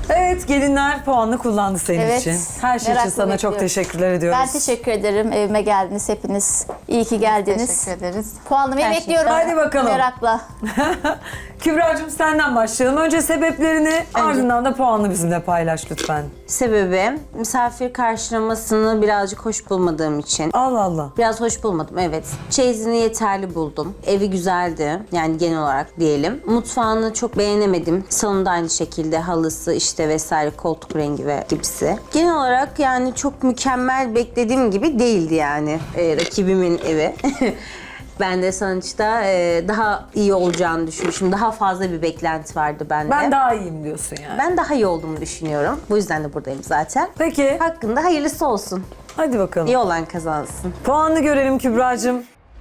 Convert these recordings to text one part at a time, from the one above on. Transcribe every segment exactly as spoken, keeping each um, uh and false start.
Evet, gelinler puanını kullandı senin Evet, için. Her şey için merakla sana çok bekliyorum. teşekkürler ediyoruz. Ben teşekkür ederim. Evime geldiniz hepiniz. İyi ki geldiniz. Teşekkür ederiz. Puanlamayı Her şey. bekliyorum. Hadi bakalım. Merakla. Kübra'cığım senden başlayalım. Önce sebeplerini, ardından da puanını bizimle paylaş lütfen. Sebebi misafir karşılamasını birazcık hoş bulmadığım için. Allah Allah. Biraz hoş bulmadım, evet. Çeyizini yeterli buldum. Evi güzeldi, yani genel olarak diyelim. Mutfağını çok beğenemedim. Salonda aynı şekilde halısı işte vesaire, koltuk rengi ve gibisi. Genel olarak yani çok mükemmel beklediğim gibi değildi yani e, rakibimin evi. Ben de sonuçta e, daha iyi olacağını düşünmüşüm. Daha fazla bir beklenti vardı bende. Ben daha iyiyim diyorsun yani. Ben daha iyi olduğumu düşünüyorum. Bu yüzden de buradayım zaten. Peki, Hakkında hayırlısı olsun. hadi bakalım. İyi olan kazansın. Puanını görelim Kübra'cığım.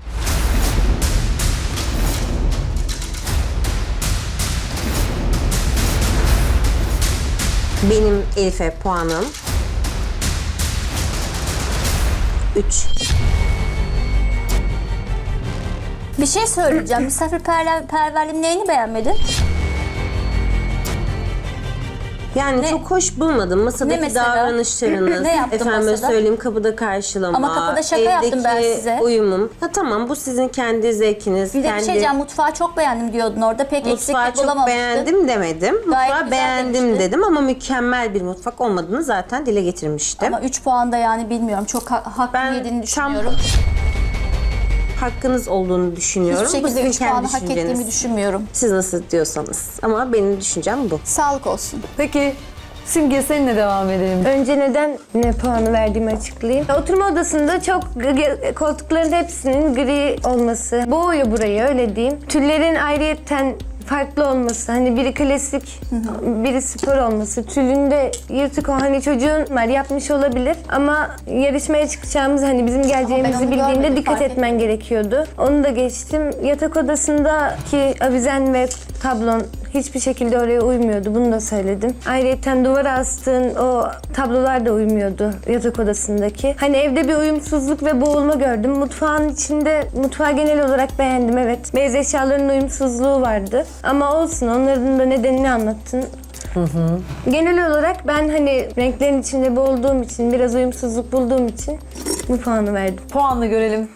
Benim Elif'e puanım üç. Bir şey söyleyeceğim. Misafirperverliğin neyini beğenmedin? Yani Ne? çok hoş bulmadım. Masadaki Ne mesela? davranışlarınız, Ne yaptın efendime masada? söyleyeyim kapıda karşılama, Ama kapıda şaka yaptım ben evdeki size. uyumum. Ha tamam, bu sizin kendi zevkiniz, Bir de bir kendi şey diyeceğim. Mutfağı çok beğendim diyordun orada. Pek mutfağı eksiklik çok bulamamıştın. beğendim demedim. Mutfağı güzel beğendim demiştin. dedim ama mükemmel bir mutfak olmadığını zaten dile getirmiştim. Ama üç puan da yani bilmiyorum. Çok ha hak Ben yediğini tam düşünüyorum. hakkınız olduğunu düşünüyorum. Hiçbir Bu şekilde sizin üç puanı kendi hak ettiğimi düşünceniz. düşünmüyorum. Siz nasıl diyorsanız. Ama benim düşüncem bu. Sağlık olsun. Peki, Simge seninle devam edelim. Önce neden ne puanı verdiğimi açıklayayım. Oturma odasında çok g- koltukların hepsinin gri olması boğuyor burayı, öyle diyeyim. Tüllerin ayrıyetten farklı olması, hani biri klasik, biri spor olması, tülünde yırtık o, hani çocuğun var yapmış olabilir ama yarışmaya çıkacağımız, hani bizim geleceğimizi onu bildiğinde görmedim, dikkat fark etmen gerekiyordu. Onu da geçtim. Yatak odasındaki avizen ve tablon hiçbir şekilde oraya uymuyordu. Bunu da söyledim. Ayrıca duvara astığın o tablolar da uymuyordu yatak odasındaki. Hani evde bir uyumsuzluk ve boğulma gördüm. Mutfağın içinde, mutfağı genel olarak beğendim, evet. Beyaz eşyaların uyumsuzluğu vardı. Ama olsun, onların da nedenini anlattın. Hı hı. Genel olarak ben hani renklerin içinde boğulduğum için, biraz uyumsuzluk bulduğum için bu puanı verdim. Puanını görelim.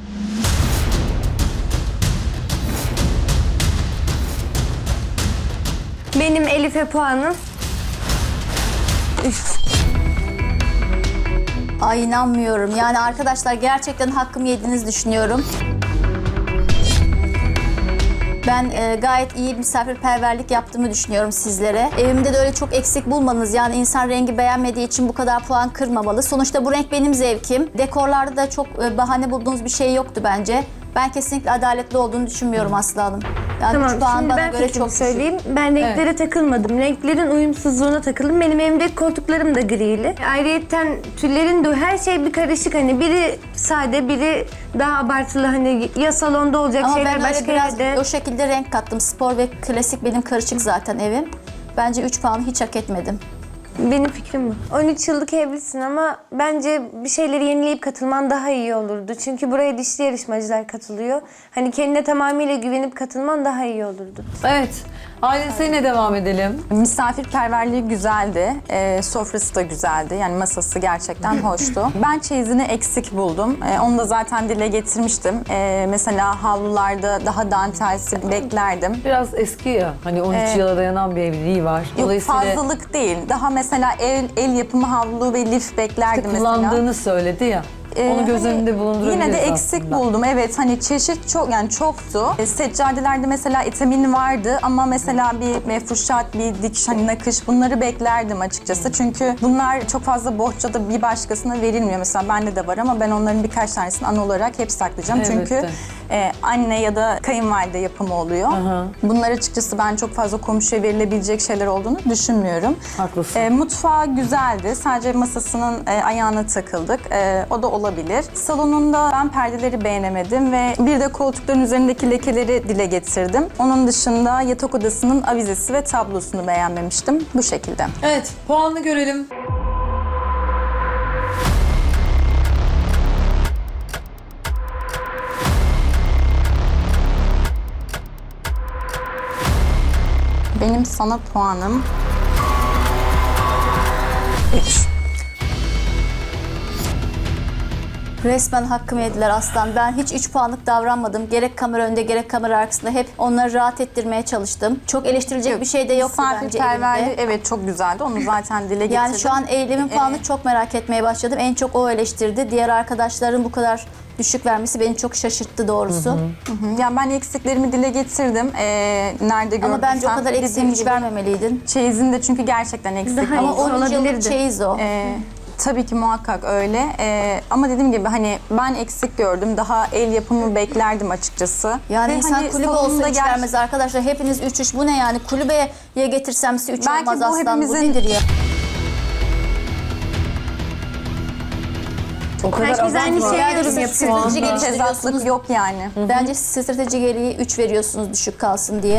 Benim Elif'e puanım üç. Ay inanmıyorum. Yani arkadaşlar gerçekten hakkımı yediğinizi düşünüyorum. Ben e, gayet iyi misafirperverlik yaptığımı düşünüyorum sizlere. Evimde de öyle çok eksik bulmanız, yani insan rengi beğenmediği için bu kadar puan kırmamalı. Sonuçta bu renk benim zevkim. Dekorlarda da çok e, bahane bulduğunuz bir şey yoktu bence. Ben kesinlikle adaletli olduğunu düşünmüyorum Aslı Hanım. Yani Tamam, üç puan şimdi bana ben göre fikrimi çok düşük. söyleyeyim. Ben renklere takılmadım. Renklerin uyumsuzluğuna takıldım. Benim evimdeki koltuklarım da grili. Ayrıyeten tüllerin de her şey bir karışık. Hani biri sade, biri daha abartılı. Hani ya salonda olacak Ama şeyler ben öyle başka biraz yerde. o şekilde renk kattım. Spor ve klasik benim karışık zaten evim. Bence üç puanı hiç hak etmedim. Benim fikrim bu. on üç yıllık evlisin ama bence bir şeyleri yenileyip katılman daha iyi olurdu. Çünkü buraya dişli yarışmacılar katılıyor. Hani kendine tamamıyla güvenip katılman daha iyi olurdu. Evet, Aylin seninle devam edelim. Misafirperverliği güzeldi. Ee, sofrası da güzeldi. Yani masası gerçekten hoştu. Ben çeyizini eksik buldum. Ee, onu da zaten dile getirmiştim. Ee, mesela havlularda daha dantelsi beklerdim. Biraz eski ya, hani on üç Evet. yıla dayanan bir evliliği var. Yok, fazlalık değil. Daha mesela el, el yapımı havlu ve lif beklerdim mesela. kullandığını söyledi ya. Ee, Onu göz hani önünde bulundurabiliriz Yine de eksik aslında. buldum. Evet, hani çeşit çok, yani çoktu. E, seccadelerde mesela etamin vardı ama mesela bir mefruşat, bir dikiş, hani nakış, bunları beklerdim açıkçası. Çünkü bunlar çok fazla bohçada bir başkasına verilmiyor. Mesela bende de var ama ben onların birkaç tanesini an olarak hep saklayacağım. Evet Çünkü de. e, anne ya da kayınvalide yapımı oluyor. Aha. Bunlar açıkçası ben çok fazla komşuya verilebilecek şeyler olduğunu düşünmüyorum. Haklısın. E, mutfağı güzeldi. Sadece masasının e, ayağına takıldık. E, o da olabilir. Salonunda ben perdeleri beğenemedim ve bir de koltukların üzerindeki lekeleri dile getirdim. Onun dışında yatak odasının avizesi ve tablosunu beğenmemiştim. Bu şekilde. Evet, puanını görelim. Benim sana puanım Resmen hakkımı yediler Aslan. Ben hiç üç puanlık davranmadım. Gerek kamera önünde gerek kamera arkasında hep onları rahat ettirmeye çalıştım. Çok eleştirilecek bir şey de yoktu bence Misafirperverliği elimde. evet çok güzeldi. Onu zaten dile getirdim. Yani şu an eylemin puanını çok merak etmeye başladım. En çok o eleştirdi. Diğer arkadaşların bu kadar düşük vermesi beni çok şaşırttı doğrusu. Hı, yani ben eksiklerimi dile getirdim. Ee, nerede gördüm Ama bence o kadar Dediğim eksiğimi hiç gibi vermemeliydin. Çeyizin de çünkü gerçekten eksik. Daha Ama iyisi on üç yıllık olabilirdi. çeyiz o. Ee, tabii ki muhakkak öyle. Ee, ama dediğim gibi hani ben eksik gördüm. Daha el yapımı beklerdim açıkçası. Yani Ve insan hani kulübe salonunda olsa hiç ger- vermez arkadaşlar. Hepiniz üç üç bu ne yani? Kulübeye getirsem size üç Belki olmaz bu Aslan. Bu hepimizin- nedir ya? O kadar Herkes aynı abartma. şeyi Yani yorum siz yapıyor. strateji geliştiriyorsunuz. Tezatlık yok yani. Bence strateji gereği üç veriyorsunuz düşük kalsın diye.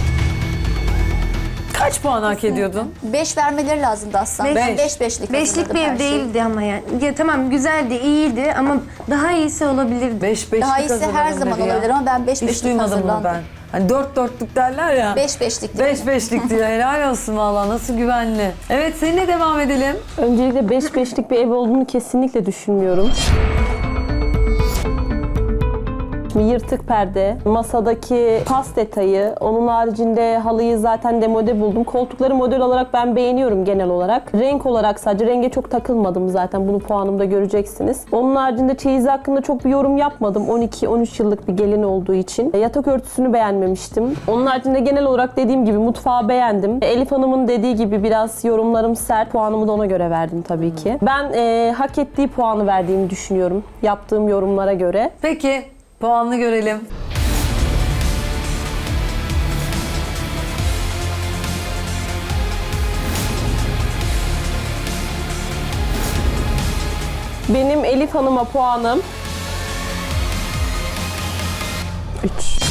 Kaç puan hak ediyordun? beş vermeleri lazımdı Aslan. Ben Beş. beş beşlik Beşlik hazırladım bir her ev şeyi. değildi ama yani. Ya tamam güzeldi, iyiydi ama daha iyisi olabilirdi. beş beşlik Daha iyisi her hazırladım zaman dedi ya. olabilir ama ben beş Hiç beşlik duymadım bunu hazırlandım. ben. Hani dört dörtlük derler ya. beş beşlik. Beş beşlik diyor. Helal olsun valla. Nasıl güvenli. Evet seninle devam edelim. Öncelikle beş beşlik bir ev olduğunu kesinlikle düşünmüyorum. Şimdi yırtık perde, masadaki pas detayı, onun haricinde halıyı zaten demode buldum. Koltukları model olarak ben beğeniyorum genel olarak. Renk olarak sadece renge çok takılmadım zaten, bunu puanımda göreceksiniz. Onun haricinde çeyiz hakkında çok bir yorum yapmadım on iki on üç yıllık bir gelin olduğu için. Yatak örtüsünü beğenmemiştim. Onun haricinde genel olarak dediğim gibi mutfağı beğendim. Elif Hanım'ın dediği gibi biraz yorumlarım sert, puanımı da ona göre verdim tabii ki. Ben e, hak ettiği puanı verdiğimi düşünüyorum yaptığım yorumlara göre. Peki puanını görelim. Benim Elif Hanım'a puanım üç.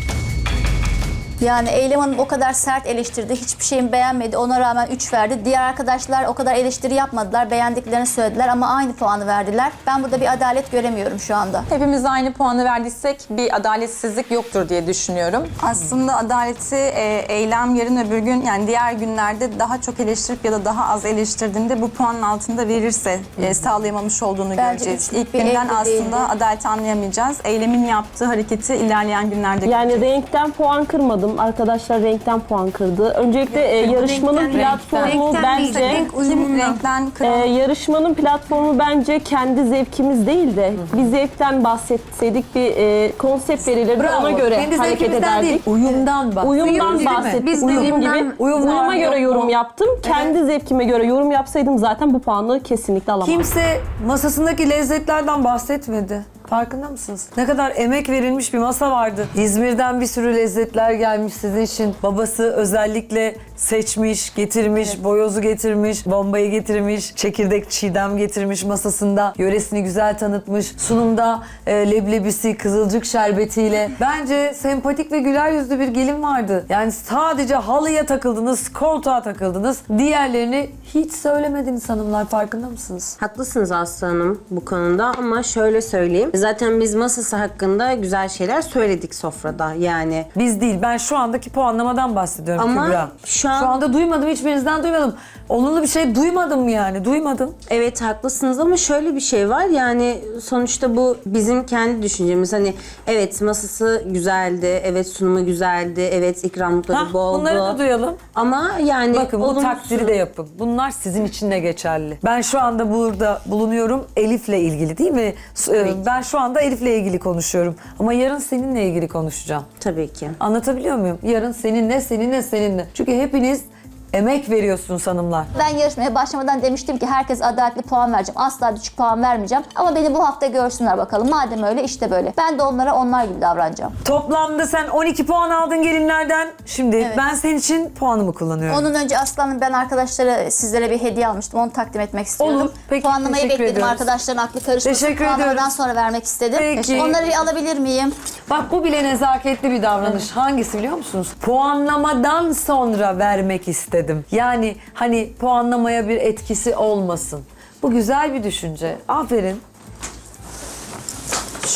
Yani Eylem Hanım o kadar sert eleştirdi. Hiçbir şeyimi beğenmedi. Ona rağmen üç verdi. Diğer arkadaşlar o kadar eleştiri yapmadılar. Beğendiklerini söylediler ama aynı puanı verdiler. Ben burada bir adalet göremiyorum şu anda. Hepimiz aynı puanı verdiysek bir adaletsizlik yoktur diye düşünüyorum. Aslında adaleti e, eylem yarın öbür gün yani diğer günlerde daha çok eleştirip ya da daha az eleştirdiğinde bu puanın altında verirse e, sağlayamamış olduğunu Bence göreceğiz. üçlük İlk bir günden evde aslında değildi. adaleti anlayamayacağız. Eylemin yaptığı hareketi ilerleyen günlerde Yani göreceğiz. renkten puan kırmadım. Arkadaşlar renkten puan kırdı. Öncelikle e, yarışmanın renkten, platformu renkten değil, bence renk Kim uyumundan. renkten e, kıran yarışmanın platformu bence kendi zevkimiz değil de bir zevkten bahsetseydik, bir e, konsept verilirdi, Bravo. ona göre Kendi hareket zevkimizden değil, ederdik. uyumdan bak. Uyumdan Değil mi? bahsettik. Biz de Uyum uyumdan- gibi. Uyum var Uyuma mı, göre yok mu? yorum yaptım. Kendi zevkime göre yorum yapsaydım zaten bu puanı kesinlikle alamazdım. Kimse masasındaki lezzetlerden bahsetmedi. Farkında mısınız? Ne kadar emek verilmiş bir masa vardı. İzmir'den bir sürü lezzetler gelmiş sizin için. Babası özellikle seçmiş, getirmiş, boyozu getirmiş, bombayı getirmiş, çekirdek çiğdem getirmiş masasında. Yöresini güzel tanıtmış. Sunumda e, leblebisi, kızılcık şerbetiyle. Bence sempatik ve güler yüzlü bir gelin vardı. Yani sadece halıya takıldınız, koltuğa takıldınız. Diğerlerini hiç söylemediniz hanımlar. Farkında mısınız? Haklısınız Aslı Hanım bu konuda ama şöyle söyleyeyim. Zaten biz masası hakkında güzel şeyler söyledik sofrada yani. Biz değil. Ben şu andaki puanlamadan bahsediyorum Ama Kübra. şu an- Şu anda duymadım. Hiçbirinizden duymadım. Olumlu bir şey duymadım yani. Duymadım. Evet haklısınız ama şöyle bir şey var yani sonuçta bu bizim kendi düşüncemiz. Hani evet masası güzeldi, evet sunumu güzeldi, evet ikramlıkları Hah, boldu. bunları da duyalım. Ama yani Bakın bu olumsuz- takdiri de yapın. Bunlar sizin için de geçerli. Ben şu anda burada bulunuyorum Elif'le ilgili değil mi? Ee, Ben şu anda Elif'le ilgili konuşuyorum. Ama yarın seninle ilgili konuşacağım. Tabii ki. Anlatabiliyor muyum? Yarın seninle, seninle, seninle. Çünkü hepiniz emek veriyorsunuz hanımlar. Ben yarışmaya başlamadan demiştim ki herkes adaletli puan vereceğim. Asla düşük puan vermeyeceğim. Ama beni bu hafta görsünler bakalım. Madem öyle işte böyle. Ben de onlara onlar gibi davranacağım. Toplamda sen on iki puan aldın gelinlerden. Şimdi Evet. ben senin için puanımı kullanıyorum. Onun önce Aslan'ın ben arkadaşlara sizlere bir hediye almıştım. Onu takdim etmek istiyordum. Olur. Peki, Puanlamayı teşekkür bekledim. ediyoruz. Arkadaşların aklı karışmasın. Teşekkür Puanlamadan ediyoruz. sonra vermek istedim. Peki. Onları bir alabilir miyim? Bak bu bile nezaketli bir davranış. Hangisi biliyor musunuz? Puanlamadan sonra vermek istedim. Yani hani puanlamaya bir etkisi olmasın. Bu güzel bir düşünce. Aferin.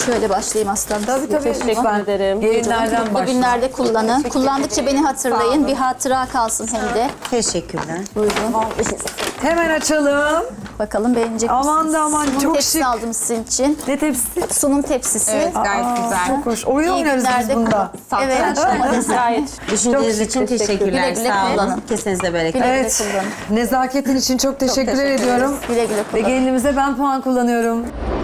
Şöyle başlayayım aslanım. Tabii size. tabii. Teşekkür Lütfen. ederim. Gelinlerden Mutlu başla. günlerde kullanın. Kullandıkça beni hatırlayın. Bir hatıra kalsın hem de. Teşekkürler. Buyurun. Hemen açalım. Bakalım beğenecek Aman misiniz? da aman, Sunum çok tepsisi şık. aldım sizin için. Ne tepsisi? Sunum tepsisi. Evet, gayet Aa, güzel. Çok hoş. Oyun İyi oynarız biz günlerde bunda. kullan. Evet. ama desen. Gayet. Düşünceniz Çok için teşekkür- teşekkürler. güle güle Sağ olun. kullanın. Kesinize bereket. Güle güle Evet. kullanın. Nezaketin için çok teşekkür teşekkür ediyorum. Güle güle Ve kullanın. gelinimize ben puan kullanıyorum.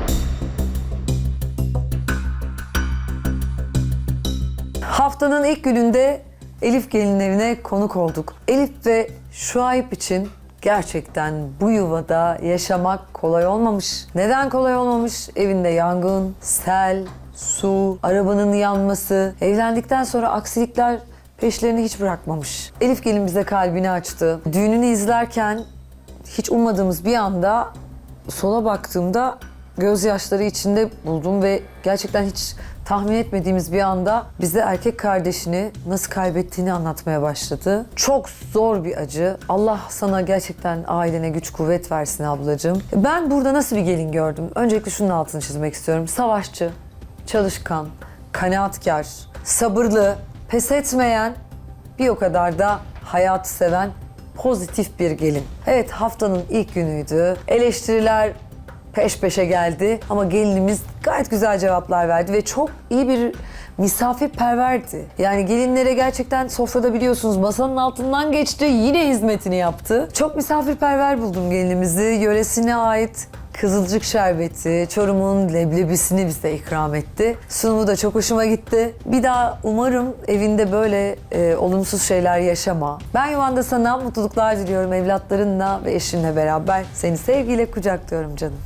Haftanın ilk gününde Elif gelin evine konuk olduk. Elif ve Şuayb için gerçekten bu yuvada yaşamak kolay olmamış. Neden kolay olmamış? Evinde yangın, sel, su, arabanın yanması. Evlendikten sonra aksilikler peşlerini hiç bırakmamış. Elif gelin bize kalbini açtı. Düğününü izlerken hiç ummadığımız bir anda sola baktığımda gözyaşları içinde buldum ve gerçekten hiç tahmin etmediğimiz bir anda bize erkek kardeşini nasıl kaybettiğini anlatmaya başladı. Çok zor bir acı. Allah sana gerçekten ailene güç kuvvet versin ablacığım. Ben burada nasıl bir gelin gördüm? Öncelikle şunun altını çizmek istiyorum. Savaşçı, çalışkan, kanaatkar, sabırlı, pes etmeyen, bir o kadar da hayatı seven pozitif bir gelin. Evet, haftanın ilk günüydü. Eleştiriler peş peşe geldi ama gelinimiz gayet güzel cevaplar verdi ve çok iyi bir misafirperverdi. Yani gelinlere gerçekten sofrada biliyorsunuz masanın altından geçti, yine hizmetini yaptı. Çok misafirperver buldum gelinimizi. Yöresine ait Kızılcık şerbeti, Çorum'un leblebisini bize ikram etti. Sunumu da çok hoşuma gitti. Bir daha umarım evinde böyle e, olumsuz şeyler yaşama. Ben yuvanda sana mutluluklar diliyorum evlatlarınla ve eşinle beraber. Seni sevgiyle kucaklıyorum canım.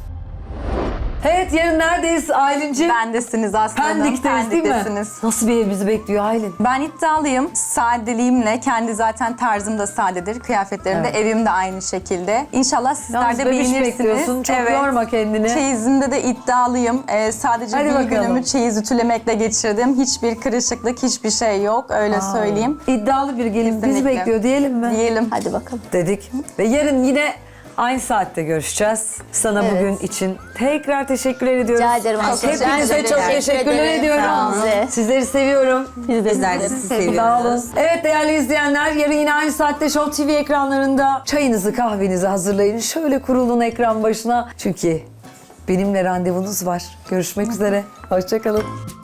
Evet, yarın neredeyiz Aylin'ciğim? Bendesiniz aslanım. Pendik'teyiz değil mi? Pendiktesiniz. Nasıl bir ev bizi bekliyor Aylin? Ben iddialıyım. Sadeliğimle, kendi zaten tarzım da sadedir. Kıyafetlerim de, Evet. evim de aynı şekilde. İnşallah sizler Yalnız de bebiş beğenirsiniz. bekliyorsun, çok yorma kendini. Çeyizimde de iddialıyım. Ee, sadece Hadi bir bakalım. günümü çeyiz ütülemekle geçirdim. Hiçbir kırışıklık, hiçbir şey yok. Öyle söyleyeyim. İddialı bir gelin bizi Kesinlikle. bekliyor diyelim mi? Diyelim. Hadi bakalım. Dedik. Ve yarın yine aynı saatte görüşeceğiz. Sana Evet. bugün için tekrar teşekkür ediyoruz. Rica ederim. Hepinize Rica çok ederim. teşekkürler Teşekkür ediyorum. ederim. Sağ olun. Sizleri seviyorum. Bizler de sizi seviyoruz. Sağ olun. Evet değerli izleyenler, yarın yine aynı saatte Show T V ekranlarında çayınızı kahvenizi hazırlayın. Şöyle kurulun ekran başına. Çünkü benimle randevunuz var. Görüşmek üzere. Hoşça kalın.